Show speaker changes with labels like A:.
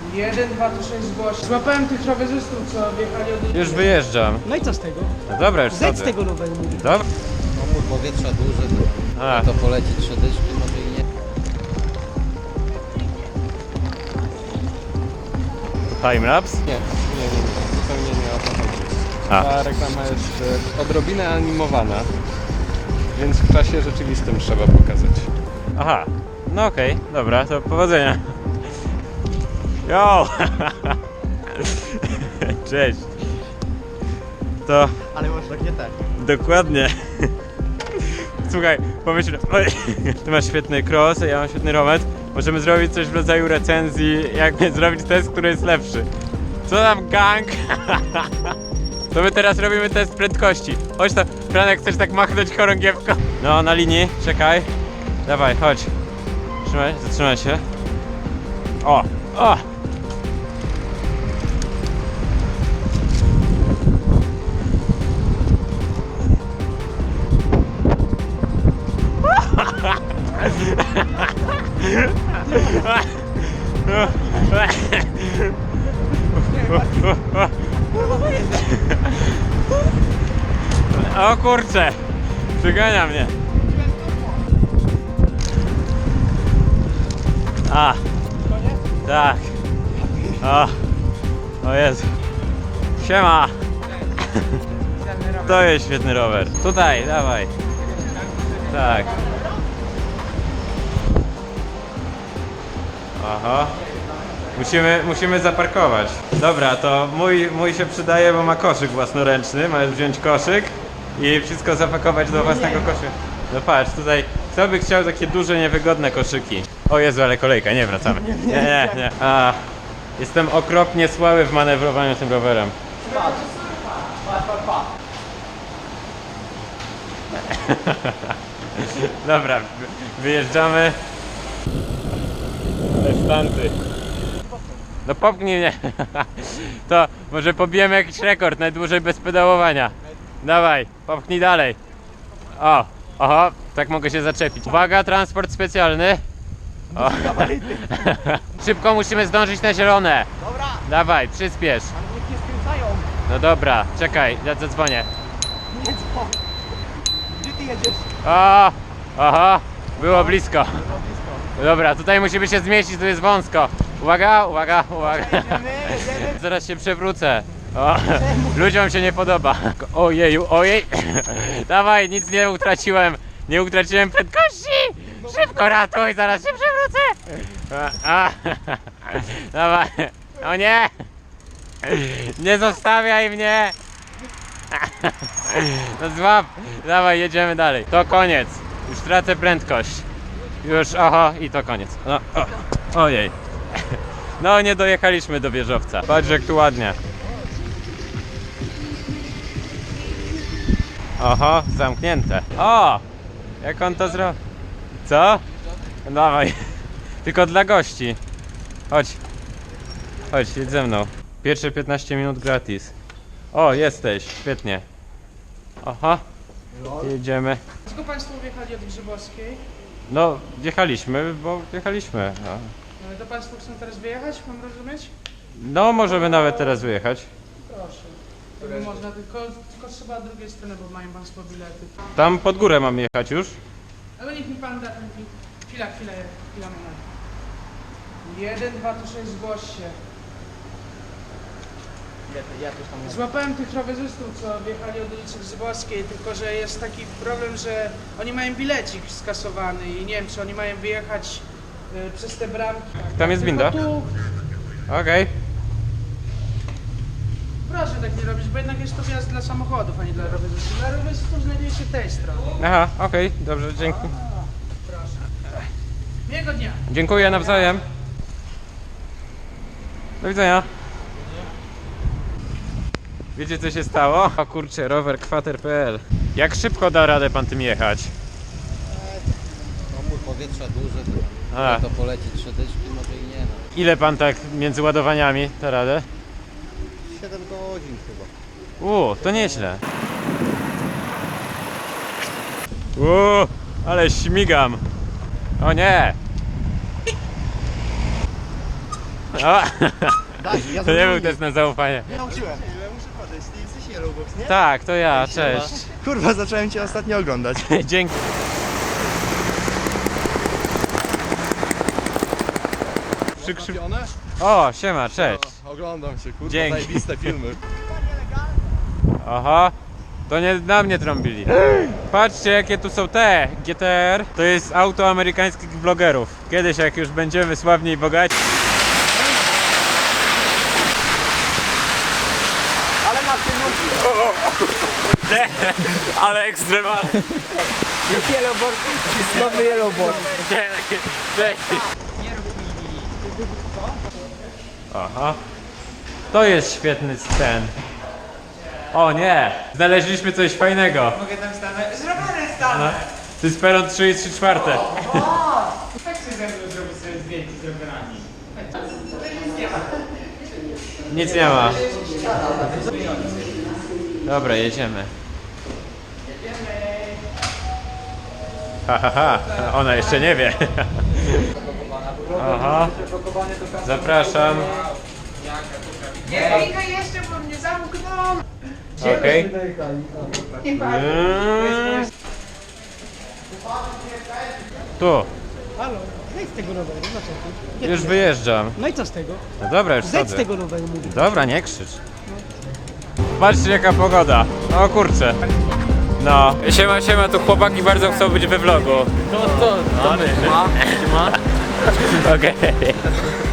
A: 1, 2, to 6 zgłosi. Złapałem tych rowerzystów, co wjechali od...
B: Już wyjeżdżam.
A: No i co z tego?
B: No dobra, już
A: Zejdź z
B: wchodzę.
A: tego roweru, mówię.
B: Dobra.
C: Pomór powietrza duży, to poleci 3 dyszki, może i nie.
B: Timelapse?
D: Nie, zupełnie nie o to chodzi.
B: A.
D: Ta reklama jest odrobinę animowana, więc w czasie rzeczywistym trzeba pokazać.
B: Aha. No okej, dobra, to powodzenia. Jo! Cześć. To
C: Ale masz tak nie tak.
B: dokładnie. Słuchaj, pomyśl, ty masz świetny cross, ja mam świetny rower. Możemy zrobić coś w rodzaju recenzji, jak zrobić test, który jest lepszy. Co tam, gang? To my teraz robimy test prędkości. Chodź to, Franek, chcesz tak machnąć chorągiewką? No, na linii, czekaj. Dawaj, chodź. Zatrzymaj się. O, o! O kurczę, przygania mnie. A, tak. O Jezu. Siema. To jest świetny rower. Tutaj, dawaj. Tak. Aha. Musimy zaparkować. Dobra, to mój się przydaje, bo ma koszyk własnoręczny. Możesz wziąć koszyk i wszystko zapakować do własnego koszyka. No patrz, tutaj kto by chciał takie duże, niewygodne koszyki? O Jezu, ale kolejka, nie wracamy. Nie. Jestem okropnie słaby w manewrowaniu tym rowerem. Dobra, wyjeżdżamy. Estanty. No popchnij mnie. To może pobijemy jakiś rekord, najdłużej bez pedałowania. Dawaj, popchnij dalej. O, oho, tak mogę się zaczepić. Uwaga, transport specjalny. O. Szybko musimy zdążyć na zielone.
A: Dobra,
B: Dawaj, przyspiesz.
A: ale niech nie skręcają.
B: No dobra, czekaj, ja zadzwonię.
A: Nie dzwoń. Gdzie ty jedziesz?
B: O, oho, było blisko. Dobra, tutaj musimy się zmieścić, tu jest wąsko. Uwaga.
A: Jedziemy.
B: Zaraz się przewrócę. O, ludziom się nie podoba. Ojej. Dawaj, nic nie utraciłem. Nie utraciłem prędkości. Szybko ratuj, zaraz się przewrócę. Dawaj. O nie. Nie zostawiaj mnie. No złap. Dawaj, jedziemy dalej. To koniec. Już tracę prędkość. Już, oho, i to koniec. No, ojej. No, nie dojechaliśmy do wieżowca. Patrz, jak tu ładnie. Oho, zamknięte. O! Jak on to zrobił? Co? Dawaj. Tylko dla gości. Chodź, jedź ze mną. Pierwsze 15 minut gratis. O, jesteś, świetnie. Aha, jedziemy.
A: Dlaczego Państwo wjechali od Grzybowskiej?
B: No, wjechaliśmy, bo wjechaliśmy. No.
A: Ale to Państwo chcą teraz wyjechać, mam rozumieć?
B: No, możemy nawet teraz wyjechać.
A: Proszę. Gdyby można, tylko trzeba od drugiej strony, bo mają Państwo bilety.
B: Tam pod górę mamy jechać już.
A: Ale niech mi Pan da ten bit. Chwila moment. 1, 2, to 6 zgłoś się.
C: Ja też tam
A: Złapałem tych rowerzystów, co wjechali od ulicy Grzybowskiej, tylko że jest taki problem, że oni mają bilecik skasowany i nie wiem, czy oni mają wyjechać przez te bramki.
B: Tam jest winda?
A: Tylko tu,
B: Okej.
A: proszę tak nie robić, bo jednak jest to wjazd dla samochodów, a nie dla rowerzystów. Dla rowerzystów znajduje się tej strony.
B: Aha, okej, dobrze, dzięki.
A: Proszę. Miłego dnia.
B: Dziękuję nawzajem. Do widzenia. Wiecie, co się stało? O kurczę, rower kwater.pl. Jak szybko da radę pan tym jechać?
C: Pomór powietrza duży,
B: A.
C: to poleci 3 dyszki, może i nie. No.
B: Ile pan tak między ładowaniami da radę?
C: 7 godzin chyba.
B: To nieźle. Ale śmigam. O nie. O,
E: Daj, ja
B: to nie był test na zaufanie.
E: Nie nauczyłem. Muszę podejść, ty jesteś Yellowbox, nie?
B: Tak, to ja, cześć.
E: Kurwa, zacząłem cię ostatnio oglądać.
B: Dzięki.
D: Przykrzywione?
B: O, siema, cześć.
D: Oglądam się, kurwa,
B: Dzięki.
D: zajebiste filmy.
B: Aha, to nie na mnie trąbili. Patrzcie, jakie tu są te GTR. To jest auto amerykańskich vlogerów. Kiedyś, jak już będziemy sławni i bogaci.
E: Ale masz pieniądze.
B: Ale ekstremalnie.
E: Jest Yellowbox, jest nowy Yellowbox.
B: Aha. To jest świetny scen. O nie! Znaleźliśmy coś fajnego.
A: Mogę tam stanąć? Zrobione stanę!
B: To jest peron 3 i 3/4.
A: Tak się ze mną zrobić sobie zdjęcie z rowerami. Nic nie ma.
B: Nic nie ma. Dobra, jedziemy. Ha, ha, ha. Ona jeszcze nie wie. Aha. Zapraszam.
A: Nie, Inga jeszcze, bo mnie zamkną!
B: Okej.
A: Nie ma.
B: Tu.
F: Halo, zejdź z tego roweru, dlaczego?
B: Już wyjeżdżam.
F: No i co z tego?
B: No dobra, już
F: Zejdź z
B: schodzę.
F: tego roweru, mówię.
B: Dobra, nie krzycz. Patrzcie, jaka pogoda. O kurczę. No. Siema, siema, tu chłopaki bardzo chcą być we vlogu. No to my. Okej.